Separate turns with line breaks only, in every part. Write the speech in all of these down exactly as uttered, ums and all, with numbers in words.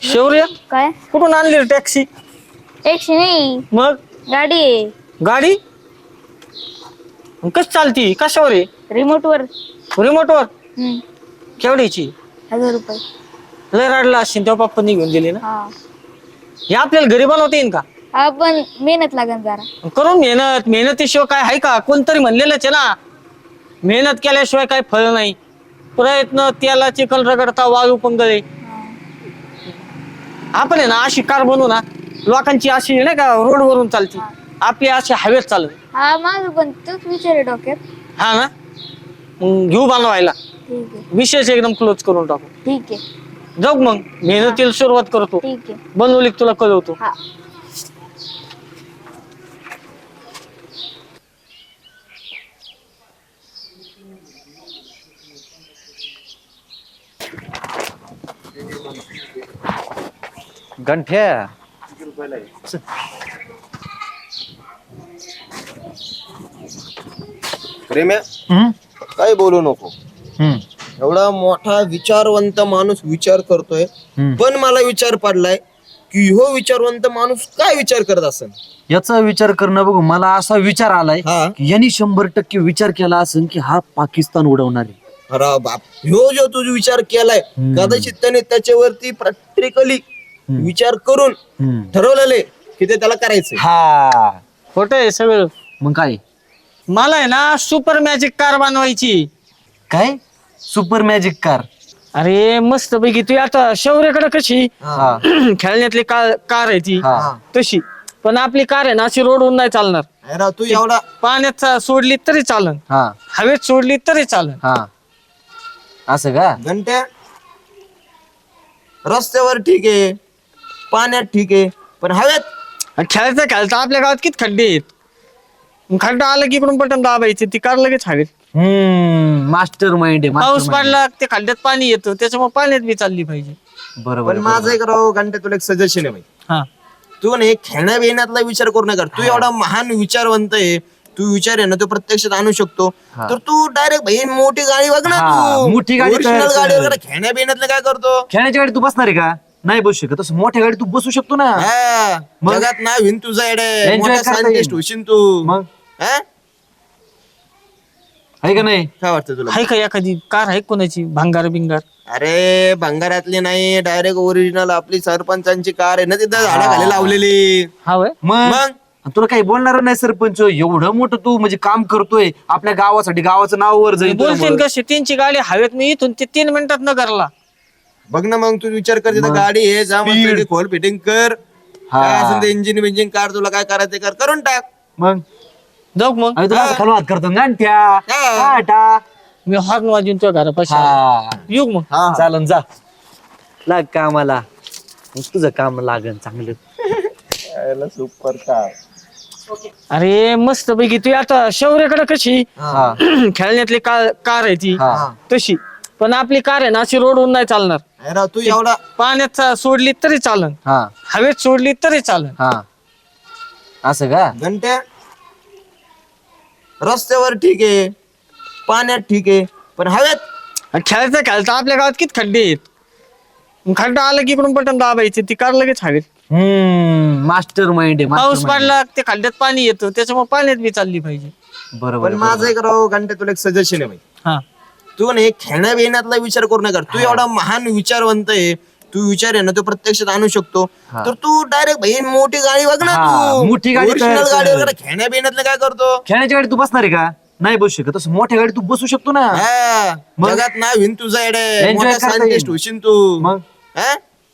शौर्य
काय
कुठून आणली रे टॅक्सी?
टॅक्सी नाही,
मग
गाडी आहे.
गाडी कशी चालती? कशावर आहे?
रिमोट वर.
रिमोटवर.
हम्म,
केवढीची?
हजार रुपये.
लय रडला असशील तेव्हा पप्पांनी घेऊन दिली ना.
हा
हे आपल्याला घरी बनवता येईन का?
हा, पण मेहनत लागेल जरा.
करून मेहनत मेहनतीशिवाय काय आहे का? कोणतरी म्हणलेलंच आहे ना, मेहनत केल्याशिवाय काय फळ नाही. प्रयत्न त्याला चिखल रगडता वाळू पंगळे.
हा.
आपण आहे ना अशी कार बनवू ना, लोकांची अशी नाही का रोडवरून चालती, आपली अशी हवेत चालत.
हा, माझं पण तोच विचार आहे डोक्यात.
हा ना, मग घेऊ बनवायला.
ठीक आहे,
विशेष एकदम क्लोज करून टाकू.
ठीक आहे,
जाऊ मग मेहनतीला सुरुवात करतो.
ठीक आहे.
बनवली की तुला कळवतो.
हा.
गंठ्या
प्रेम्या
हम्म?
काय बोलू नको.
हम्म.
एवढा मोठा विचारवंत माणूस विचार करतोय,
हम्म.
पण मला विचार पडलाय की हो विचारवंत माणूस काय विचार करत असेल.
याचा विचार करणं बघू मला असा विचार आलाय
हा.
की यांनी शंभर टक्के विचार केला असेल की हा पाकिस्तान उडवणार आहे.
अरे बाप, ह्यो जो तुझा विचार केलाय
हम्म.
कदाचित त्याने त्याच्यावरती प्रॅक्टिकली
हम्म.
विचार करून
हम्म.
ठरवलेले की ते त्याला करायचंय.
हा
खोटं आहे सगळं.
मग काय
मला आहे ना सुपर मॅजिक कार बनवायची.
काय सुपर मॅजिक कार?
अरे मस्त पैकी तू आता शौर्याकडे कशी
हा.
खेळण्यातली कार कार आहे ती
हा.
तशी, पण आपली कार आहे ना अशी रोडवरून नाही चालणार.
अरे तू एवढा
पाण्यात सोडली तरी चालन,
हा.
हवेत सोडली तरी चालन.
हा असं का?
घंट्या रस्त्यावर ठीक आहे, पाण्यात ठीक आहे, पण हवेत
आणि खेळता खेळता आपल्या गावात किती खड्डे आहेत. खड्डा आला की इकडून बटन दाबायचे, ती कार लगेच हवेत.
हम्म मास्टर माइंड आहे
पाऊस
mastermind.
पडला ते खड्ड्यात पाणी येतं, त्याच्यामुळे पाण्यात बी चालली पाहिजे.
बरोबर
पण
आहे,
माझं
बरोबर.
एक राव घंटे तुला एक सजेशन आहे भाई.
हा
तू नाही खेळण्या बिण्यातला विचार करू नका. तू एवढा महान विचारवंत आहे, तू विचार आहे ना तो प्रत्यक्षात आणू शकतो.
हा.
तर तू डायरेक्ट भाई मोठी गाडी बघ ना.
हा,
तू
मोठी गाडी
Original
तयार कर.
गाडी वगैरे खेळण्या बिण्यातलं काय करतो.
खेळण्याच्या गाडी तू बसणार आहे का? नाही बसू शकत. तसं मोठ्या गाडी तू बसू शकतो ना.
हा,
मग?
जगात नाव हिन तुझं
Enjoy
एडे मोठा
करता
सायंटिस्ट
येईल.
होशील तू.
मग
हा?
आहे का नाही?
काय वाटतं तुला?
आहे का एखादी कार आहे कोणाची भांगार बिंगार?
अरे भंगारातली नाही, डायरेक्ट ओरिजिनल आपली सरपंचांची कार आहे ना तिथं झाडाखाली लावलेली.
हा वय
मग
मग
तुला काही बोलणार नाही सरपंच. एवढं मोठं तू म्हणजे काम करतोय आपल्या गावासाठी, गावाचं नाव वर जाईल
बोलतील
तुझ्यामुळं.
कशी त्यांची गाडी हवेत मी इथून ते तीन मिनिटात न करला.
बघ ना, मग तू विचार कर तिथं
मग?
गाडी आहे, जा मस्त
Speed.
पैकी खोल फिटिंग कर.
हा.
काय असेल ते इंजिन बिंजिन कार तुला काय करायचं ते कर, करून टाक.
मग
जाऊ मग
आम्ही तुला खालून हात करतो गांठ्या.
हा.
टाटा.
मी हॉर्न वाजून तुझ्या घरापाशी आलो.
हा
येऊ मग.
हा.
चालन जा लाग कामाला. मग तुझं काम लागन चांगलं.
Super car.
अरे मस्त पैकी तू आता शौर्याकडे कशी
हा.
खेळण्यातली कार कार आहे ती
हा.
तशी, पण आपली कार आहे ना अशी रोडवरून नाही चालणार.
अरे तू एवढा
पाण्यात सोडली तरी चालन,
हा.
हवेत सोडली तरी चालन.
हा असं का?
घंट्या रस्त्यावर ठीक आहे, पाण्यात ठीक आहे, पण हवेत
आणि खेळता खेळता आपल्या गावात किती खड्डे आहेत. खड्डा आला की इकडून बटन दाबायचे, ती कार लगेच हवेत.
हम्म मास्टर माइंड आहे,
पाऊस
mastermind.
पडला ते खड्ड्यात पाणी येतं, त्याच्यामुळे पाण्यात बी चालली पाहिजे.
बरोबर
पण
आहे,
माझं
बरोबर.
एक राव घंटे तुला एक सजेशन आहे भाई.
हा
तू नाही खेळण्या बिण्यातला विचार करू नका. तू एवढा महान विचारवंत आहे, तू विचार आहे ना तो प्रत्यक्षात आणू शकतो.
हा.
तर तू डायरेक्ट भाई मोठी गाडी बघ ना.
हा,
तू
मोठी गाडी
Original
तयार कर.
गाडी वगैरे खेळण्या बिण्यातलं काय करतो.
खेळण्याच्या गाडी तू बसणार आहे का? नाही बसू शकत. तसं मोठ्या गाडी तू बसू शकतो ना.
हा,
मग?
जगात नाव हिन तुझं एडे
Enjoy
मोठा
करता
सायंटिस्ट
येईल.
होशील तू.
मग
हा?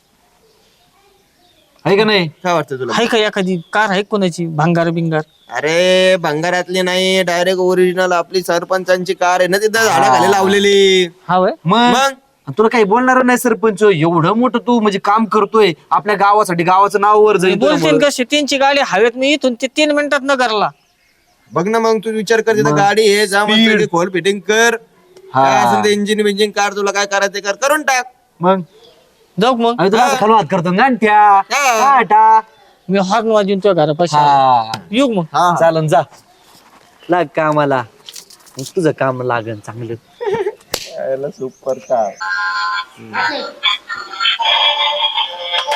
आहे का नाही?
काय वाटतं तुला?
आहे का एखादी कार आहे कोणाची भांगार बिंगार?
अरे भंगारातली नाही, डायरेक्ट ओरिजिनल आपली सरपंचांची कार आहे ना तिथं झाडाखाली लावलेली.
हा वय
मग
मग
तुला काही बोलणार नाही सरपंच. एवढं मोठं तू म्हणजे काम करतोय आपल्या गावासाठी, गावाचं नाव वर जाईल
बोलतील
तुझ्यामुळं.
कशी त्यांची गाडी हवेत मी इथून ते तीन मिनिटात न करला.
बघ ना, मग तू विचार कर तिथं
मग?
गाडी आहे, जा मस्त
Speed.
पैकी खोल फिटिंग कर.
हा.
काय असेल ते इंजिन बिंजिन कार तुला काय करायचं ते कर, करून टाक.
मग
जाऊ मग.
आम्ही तुला खालून हात करतो गांठ्या.
हा.
टाटा.
मी हॉर्न वाजून तुझ्या घरापाशी आलो.
हा
येऊ मग.
हा.
चालन जा लाग कामाला. मग तुझं काम लागन चांगलं.
Super car.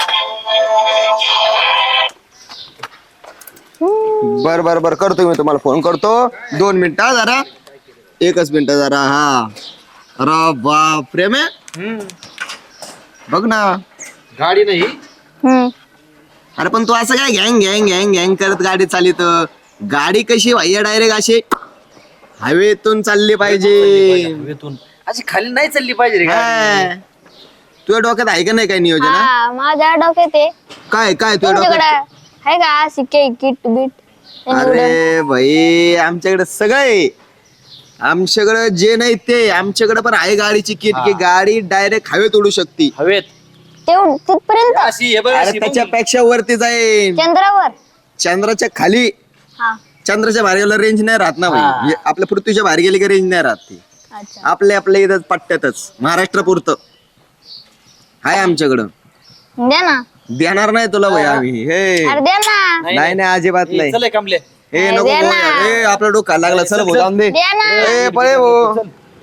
बर बर बर करतो मी तुम्हाला फोन करतो दोन मिनिटं हा जरा एकच मिनिट जरा हा अरे बाप रे मे बघ ना
गाडी नाही
हम्म.
अरे पण तू असं काय गँग गँग गँग गँग करत गाडी चालित गाडी कशी भैया डायरेक्ट अशी हवेतून चालली पाहिजे
हवेतून अशी खाली नाही चालली पाहिजे रे गाडी.
हा. तुझ्या डोक्यात आहे का नाही काय नियोजन हा?
हा माझ्या डोक्यात आहे
काय काय तुझ्या
तुमच्याकडे
डोक्यात
आहे का शिक्के किट बीट
अरे भाई आमच्याकडे सगळं आहे आमच्याकडे जे नाही ते आमच्याकडे पण आहे गाडीची किट की गाडी डायरेक्ट हवेत उडू शकते
हवेत
तेवढ तिथपर्यंत
अशी हे बघ
अरे
अशी
त्याच्यापेक्षा वरती जाईल
चंद्रावर
चंद्राच्या खाली
हा
चंद्राच्या बाहेर गेला रेंज नाही राहत ना भाई
हा.
हे आपल्या पृथ्वीच्या बाहेर गेली की रेंज नाही राहत ती
अच्छा
आपल्या आपल्या इथं पट्ट्यातच महाराष्ट्र पुरतं आहे आमच्याकडं
द्या ना
देणार नाही तुला भाई आम्ही हे
अरे द्या ना
नाही नाही अजिबात नाही
चल कमले
हे
अरे
नको
दे
भाऊ
ना.
यार. ए आपला डोका लागला चल भाऊ जाऊन दे
द्या ना
ए पळे भाऊ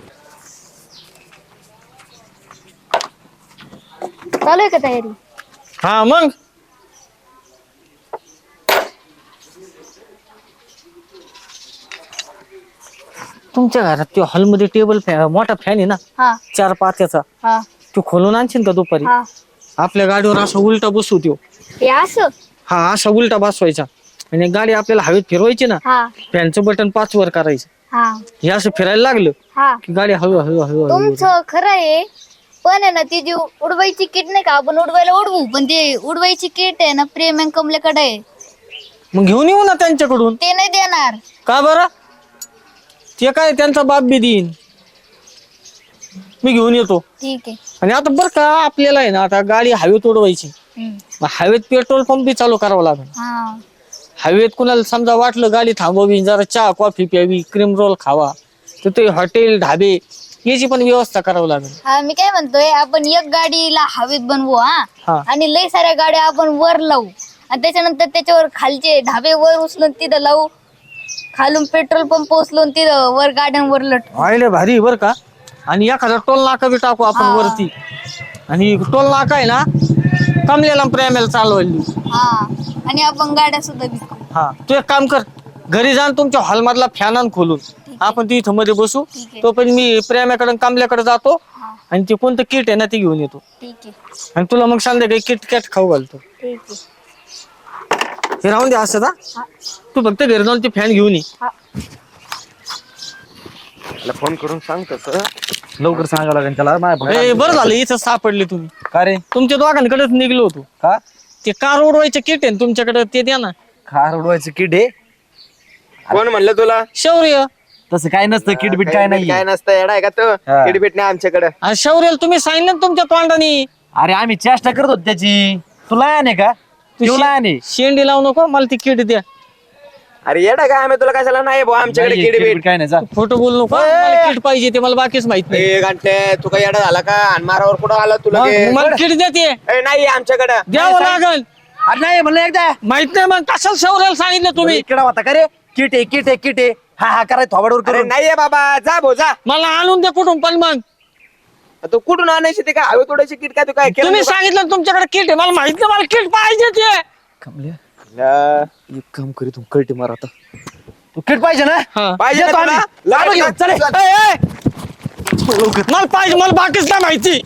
चालू आहे का तयारी
हा मग तुमच्या घरात तो हॉलमध्ये टेबल फॅन मोठा फॅन आहे ना
हा
चार पात्याचा
हा
तो खोलून आणशील का दुपारी
हा
आपल्या गाडीवर असा उलटा बसू त्यो
हे असं
हा असा उलटा बसवायचा आणि गाडी आपल्याला हवेत फिरवायची ना
हा
फॅनचं बटन पाच वर करायचं
हा
हे असं फिरायला लागलं
हा
की गाडी हळू हळू हळू हळू
तुमचं खरं आहे पण आहे ना ती जी उडवायची किट नाही का आपण उडवायला उडवू पण ते उडवायची किट आहे ना प्रेम अँड कमलेकडे आहे
मग घेऊन येऊ ना त्यांच्याकडून
ते नाही देणार
का बरं ते काय त्यांचा बाप बी देईन मी घेऊन येतो
ठीक आहे
आणि आता बरं का आपल्याला आहे ना आता गाडी हवेत उडवायची
हम्म.
मग हवेत पेट्रोल पंप बी चालू करावा लागेल
हा
हवेत कुणाला समजा वाटलं गाडी थांबवावी जरा चहा कॉफी प्यावी क्रीम रोल खावा तर ते हॉटेल ढाबे याची पण व्यवस्था करावी लागेल
हा मी काय म्हणतोय आपण एक गाडीला हवेत बनवू
हा.
हा आणि लय साऱ्या गाड्या आपण वर लावू आणि त्याच्यानंतर त्याच्यावर खालचे ढाबे वर उचलून तिथं लावू खालून पेट्रोल पंप उचलून तिथं वर गाड्यांवर लटकू
आयले भारी बर का आणि एखादा टोल नाका बी टाकू आपण
हा.
वरती आणि टोल नाका आहे ना कमलेला प्रेमेला चालवायली
हा आणि आपण गाड्या सुद्धा विकू
हा तू एक काम कर घरी जाऊन तुमच्या हॉल मधला फॅन आण खोलून आपण तिथं मध्ये बसू
ठीक आहे.
तो पण मी प्रेमाकडे कमल्याकडे जातो
हा
आणि ते कोणतं किट आहे ना ते घेऊन येतो
ठीक आहे
आणि तुला मग संध्याकाळी किट कॅट खाऊ घालतो
ठीक आहे
हे राहून दे असं ना
हा.
तू फक्त घरी जाऊन ते फॅन घेऊन ये
हा
फोन करून सांग तसं
लवकर सांगावं लागेल त्याला माझ्या
ए, बरं झालं इथं सापडले तुम्ही
का रे
तुमच्या दोघांकडेच निघलो होतो
का
ते कार उडवायचे किट आहे ना तुमच्याकडे ते द्या ना
कार उडवायचं किट आहे
कोण म्हणलं तुला
शौर्य
तसं काय नसतं किट बिट काय नाही
काय नसतं येडा आहे का तो
हा.
किटबीट नाही आमच्याकडे
आणि शौर्याला तुम्ही सांगितलं ना तुमच्या तोंडाने
अरे आम्ही चेष्टा करत होतो त्याची तुला आहे का तुला आहे
शेंडी लावू नको मला ती किट द्या
अरे येडा काय आम्ही तुला कशाला नाही भाऊ आमच्याकडे किटबीट
काय नाही जा
फोटो बोलू नको मला किट पाहिजे ते मला बाकीच माहित नाही
ए घंटे तू काय येडा झाला का आणि मारावर कुठं आला तुला
मग मला किट द्या ते
ए नाही आमच्याकडे
द्यावं लागल
अरे नाही म्हणलं एकदा
माहित नाही मग कशाला शौर्याला सांगितलं तुम्ही
किडा होता का रे किट आहे किट आहे किट आहे हा हा करायचं थोबाडवर
अरे
करून
नाहीये बाबा जा भाऊ जा
मला आणून द्या कुठून पण मग
तू कुठून आणायची ते काय हवे तोडायची किट काय तू काय केलं
तुम्ही सांगितलं ना तुमच्याकडे किट आहे मला माहित नाही मला किट पाहिजे ते
कमल्या
ला-
एक काम करी तू कळते मार आता तू किट पाहिजे ना
हा.
पाहिजे ना
येतो
तुला?
आम्ही.
लाड
लाड घेऊन,
घेऊन,
चल.
चल.
ए, ए! मला पाहिजे मला बाकीच नाही माहिती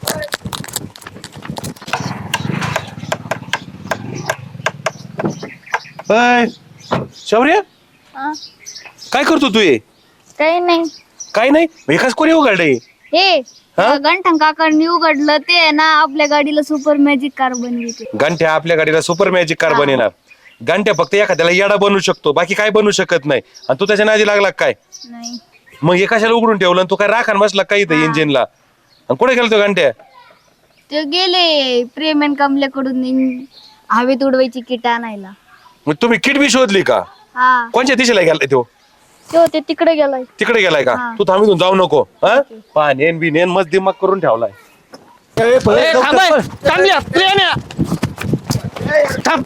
अय, शौर्य
हा.
काय करतो तू हे
काही नाही
काय नाही एकाच कोणी उघडलंय
हे
हा?
गंठन काकांनी उघडलं ते आहे ना आपल्या गाडीला सुपर मॅजिक कार बनवते
घंट्या आपल्या गाडीला सुपर मॅजिक कार बनेणार घंट्या फक्त एखाद्याला येडा बनवू शकतो बाकी काय बनवू शकत नाही आणि तू त्याच्या नादी लागला काय
नाही
मग हे कशाला उघडून ठेवलं आणि तू काय राखान बसला काय इथं इंजिनला आणि कुठे गेलो तो घंट्या
ते गेले प्रेम अँड कमल्याकडून इन- हवेत उडवायची किट आणायला
मग तुम्ही किट बी शोधली का
हा
कोणत्या दिशेला गेलाय तो
ते होते तिकडे गेलाय
तिकडे गेलाय का
हा.
तू थांबून जाऊ नको हा पाण्यान बिनेन मस्त दिमाग करून ठेवलाय
ए, थांब ए. थांबल्या, प्रेम्या. थांब.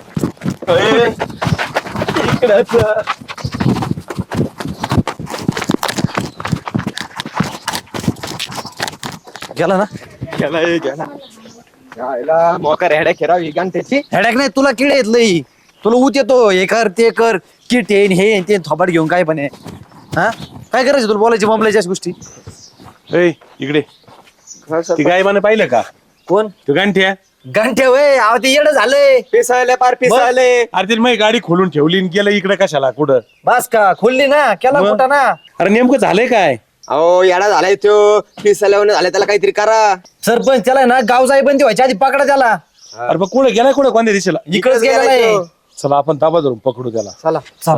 गेला ना
गेला, ए, गेला. यायला मोका रेड्या खेळाव ही घंट्याची.
हेडॅक नाही तुला किडे येत लई. तुला ऊत येतो हे कर ते कर किट येईन हे येईन, ते थोपाट घेऊन काय पण आहे. हा काय करायचं तुला बोलायची बोंबलायची अशा गोष्टी.
ए इकडे ती गाय माने पाहिलं का?
कोण
तू गांठ्या
घंटे वय अहो ते येडं झालंय.
पिसायले पार पिसायले.
अरे तिने माझी गाडी खोलून ठेवली आणि गेलं इकडे कशाला कुठं?
बस का खोलली ना केला
मग?
कुठं ना.
अरे नेमकं झालंय काय?
अहो येडा झालाय तो. पिसायला झालाय त्याला काहीतरी करा.
सरपंच त्याला ना गाव जाई बंदी व्हायच्या आधी पकडा त्याला.
अरे मग कुठे गेलाय कुठे कोणत्या दिशेला?
इकडेच गेलेला आहे.
चला आपण ताबा धरून पकडू त्याला.
चला
चल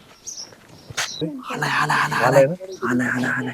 आलाय आलाय आलाय आलाय आलाय आलाय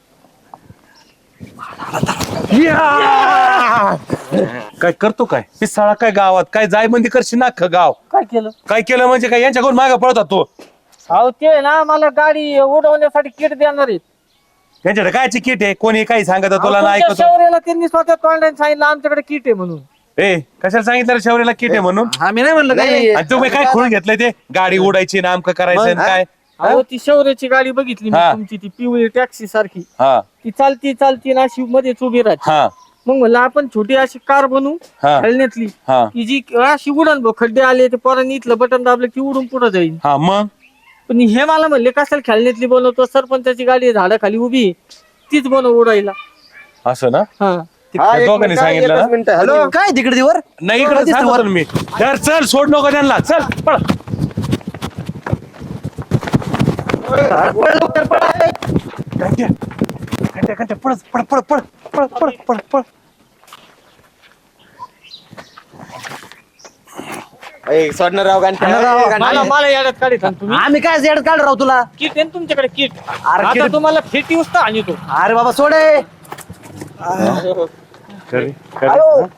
काय करतो काय पिसाळा काय गावात काय जाय बंदी करशील ना अख्खं गाव?
काय केलं?
काय केलं म्हणजे काय यांच्याकडून मागे पळत तो?
अहो ते ना मला गाडी उडवण्यासाठी किट देणार आहेत.
त्यांच्याकडे काय किट आहे? कोणी काही सांगत
अहो,
तुला नाही
तुमच्या
ऐकतो?
शौर्याला त्यांनी स्वतः तोंडाने सांगितलं आमच्याकडे किट आहे म्हणून.
ए कशाला सांगितलं शौर्याला किट आहे म्हणून?
आम्ही नाही म्हणलं
नाही.
काही.
आणि तुम्ही काय खोळून घेतलंय ते? गाडी उडायची ना आमकं करायचं आणि काय?
अहो ती शौर्याची गाडी बघितली मी
हा.
तुमची ती पिवळी टॅक्सी सारखी.
हा
ती चालती चालती ना अशी मध्येच उभी राहते.
हा
मग म्हणलं आपण छोटी अशी कार बनवू
हा.
खेळण्यातली
हा
की जी अशी उडण भाऊ खड्डे आले ते पोरांनी इथलं बटन दाबलं की उडून पुढे जाईल.
हा मग
पण हे मला म्हणले कशाला खेळण्यातली बनवतो? सरपंचाची गाडी झाडाखाली उभी आहे, तीच बनव उडायला.
असं ना?
हा
हा, एक
दोघांनी
मिनिट,
सांगितलं
एकच
ना?
मिनिट. हॅलो
काय तिकडे वर
नाही इकडे सांगतो ना मी. तर चल सोड नको त्यांना. चल पळ. घंट्या घंट्या घंट्या पळ पळ पळ पळ पळ पळ पळ पळ.
ए, सोडणार राव घंटा.
सोडणार राव.
ए, घंटा.
मला मला याड्यात काढी सांग तुम्ही.
आम्ही काय जेड काढ राहू तुला.
किट आहे ना तुमच्याकडे किट.
अरे
आता
किट-
तुम्हाला फेटी उचता आणि तो
अरे बाबा सोडे.
खरी खरी.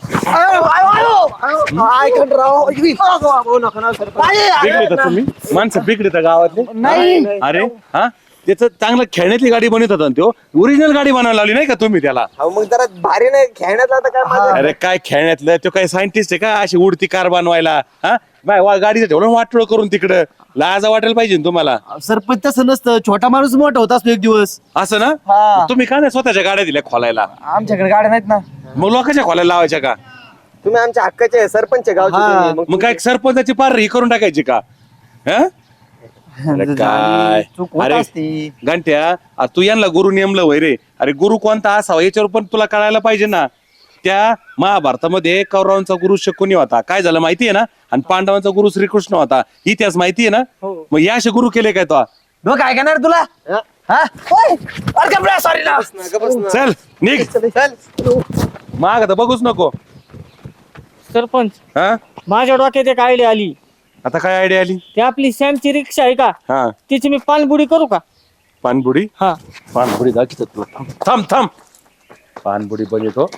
बिगडी का तुम्ही माणसं बिगडी का गावातली?
नाही
अरे हा त्याचं चांगलं खेळण्यातली गाडी बनवत होता तो. ओरिजिनल गाडी बनवायला लावली नाही का तुम्ही त्याला?
अहो, मग जरा भारी नाही खेळण्यात आता काय मजा?
अरे काय खेळण्यातलं तो काय सायंटिस्ट आहे का अशी उडती कार बनवायला? हा बाय वा गाडीचं ठेवलं वाटोळ करून तिकडं. लाजा वाटायला पाहिजे ना तुम्हाला.
सरपंच तसं नसतं. छोटा माणूस मोठा होत असतो एक दिवस.
असं ना?
हा.
तुम्ही का नाही स्वतःच्या गाड्या दिल्या खोलायला?
आमच्याकडे गाड्या नाहीत ना.
मग लोकांच्या खोलायला लावायच्या का?
तुम्ही आमच्या हक्काचे आहे, सरपंच आहे गावचे
हा.
तुम्ही.
मग काय सरपंचाची पार ही करून टाकायची का? हा? अरे काय
चूक होत
अरे
असते.
घंट्या आ, तू यांना गुरु नेमलं वय रे. अरे गुरु कोणता असावा याच्यावर पण तुला कळायला पाहिजे ना. त्या महाभारतामध्ये कौरवांचा गुरु शकुनी होता. काय झालं माहितीये ना? आणि पांडवांचा गुरु श्रीकृष्ण होता. इतिहास माहितीये ना? मग या असे गुरु केले काय तो?
डोकं काय करणार तुला.
हा?
हा? ओय, अरे कपडा, sorry ना.
नका बस ना.
चल निघ.
चल.
माग आता बघूच नको.
सरपंच
हा
माझ्या डोक्यात एक आयडिया आली.
आता काय आयडिया आली?
ती आपली सॅमची रिक्षा आहे का,
हा
तिची मी पानबुडी करू का?
पानबुडी.
हा
पानबुडी दाखवतो तुला. थांब थांब पानबुडी बघतो.